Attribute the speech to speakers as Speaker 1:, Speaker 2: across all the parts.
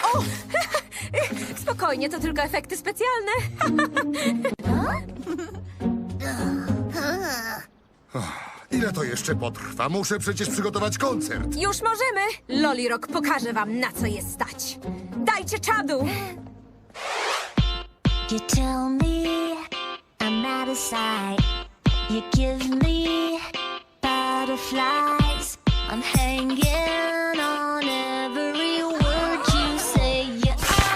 Speaker 1: O! Spokojnie, to tylko efekty specjalne.
Speaker 2: Ile to jeszcze potrwa? Muszę przecież przygotować koncert.
Speaker 1: Już możemy. Loli Rock pokaże wam, na co jest stać. Dajcie czadu.
Speaker 3: You tell me I'm out of sight. You give me butterflies. I'm hanging on every word you say. You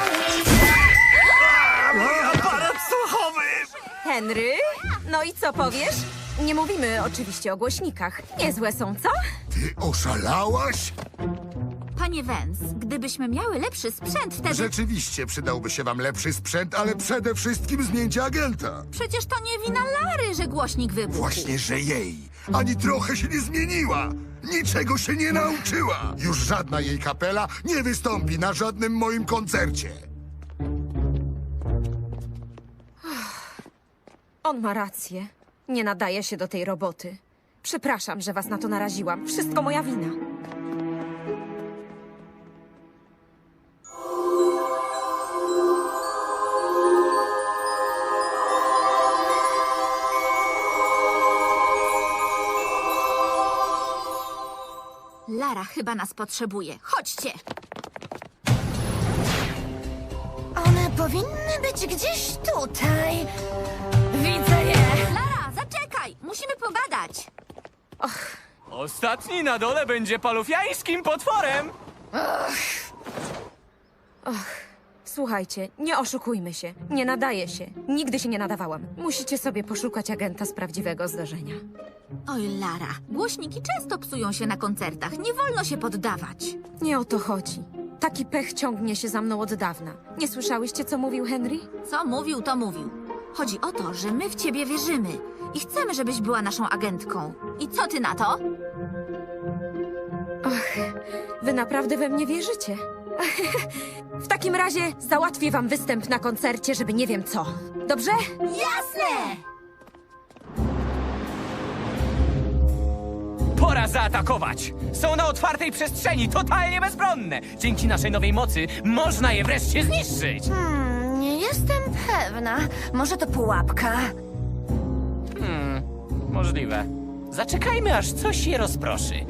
Speaker 3: always
Speaker 4: Aparat słuchowy!
Speaker 1: Henry? No i co powiesz? Nie mówimy oczywiście o głośnikach. Niezłe są, co?
Speaker 2: Ty oszalałaś?
Speaker 5: Panie Vance, gdybyśmy miały lepszy sprzęt, wtedy...
Speaker 2: Rzeczywiście przydałby się wam lepszy sprzęt, ale przede wszystkim zmieńcie agenta.
Speaker 5: Przecież to nie wina Lary, że głośnik wybuchł.
Speaker 2: Właśnie, że jej. Ani trochę się nie zmieniła. Niczego się nie nauczyła. Już żadna jej kapela nie wystąpi na żadnym moim koncercie.
Speaker 1: On ma rację. Nie nadaje się do tej roboty. Przepraszam, że was na to naraziłam. Wszystko moja wina.
Speaker 5: Lara chyba nas potrzebuje. Chodźcie!
Speaker 3: One powinny być gdzieś tutaj. Widzę je.
Speaker 5: Lara, zaczekaj! Musimy pogadać!
Speaker 4: Ostatni na dole będzie palufiańskim potworem!
Speaker 1: Słuchajcie, nie oszukujmy się. Nie nadaje się. Nigdy się nie nadawałam. Musicie sobie poszukać agenta z prawdziwego zdarzenia.
Speaker 5: Oj, Lara, głośniki często psują się na koncertach. Nie wolno się poddawać.
Speaker 1: Nie o to chodzi. Taki pech ciągnie się za mną od dawna. Nie słyszałyście, co mówił Henry?
Speaker 5: Co mówił, to mówił. Chodzi o to, że my w ciebie wierzymy i chcemy, żebyś była naszą agentką. I co ty na to?
Speaker 1: Wy naprawdę we mnie wierzycie? W takim razie załatwię wam występ na koncercie, żeby nie wiem co. Dobrze?
Speaker 5: Jasne!
Speaker 4: Pora zaatakować! Są na otwartej przestrzeni, totalnie bezbronne! Dzięki naszej nowej mocy można je wreszcie zniszczyć!
Speaker 3: Nie jestem pewna. Może to pułapka?
Speaker 4: Możliwe. Zaczekajmy, aż coś je rozproszy.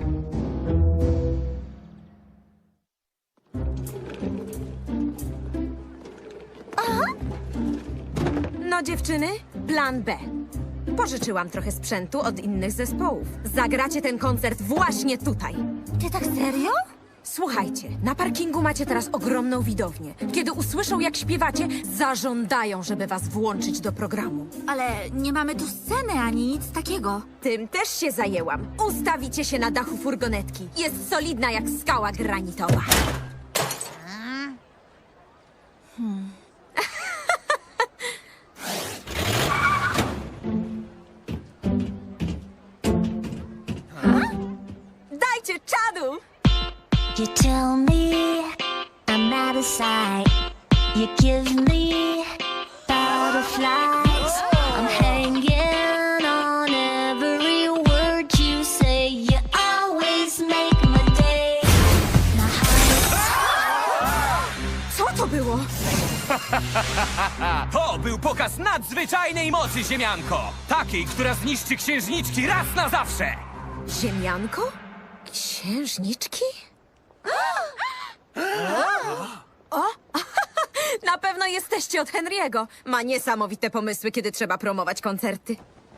Speaker 1: No dziewczyny, plan B. Pożyczyłam trochę sprzętu od innych zespołów. Zagracie ten koncert właśnie tutaj.
Speaker 3: Ty tak serio?
Speaker 1: Słuchajcie, na parkingu macie teraz ogromną widownię. Kiedy usłyszą, jak śpiewacie, zażądają, żeby was włączyć do programu.
Speaker 5: Ale nie mamy tu sceny ani nic takiego.
Speaker 1: Tym też się zajęłam. Ustawicie się na dachu furgonetki. Jest solidna jak skała granitowa. Dajcie czadu!
Speaker 3: You tell me I'm out of sight. You give me butterflies. I'm hanging on every word you say. You always make my day. My heart
Speaker 1: Co to było?
Speaker 4: To był pokaz nadzwyczajnej mocy, ziemianko! Takiej, która zniszczy księżniczki raz na zawsze!
Speaker 1: Ziemianko? Księżniczki? O! Na pewno jesteście od Henry'ego. Ma niesamowite pomysły, kiedy trzeba promować koncerty.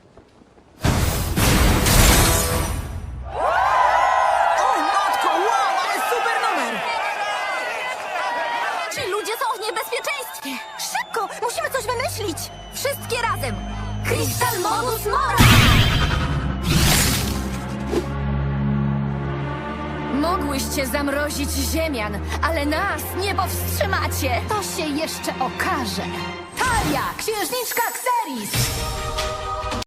Speaker 1: O, matko, wow, ale super numer!
Speaker 5: Ci ludzie są w niebezpieczeństwie! Szybko! Musimy coś wymyślić! Wszystkie razem! Crystal Modus Mora!
Speaker 6: Mogłyście zamrozić ziemian, ale nas nie powstrzymacie. To się jeszcze okaże. Talia, księżniczka Xeris!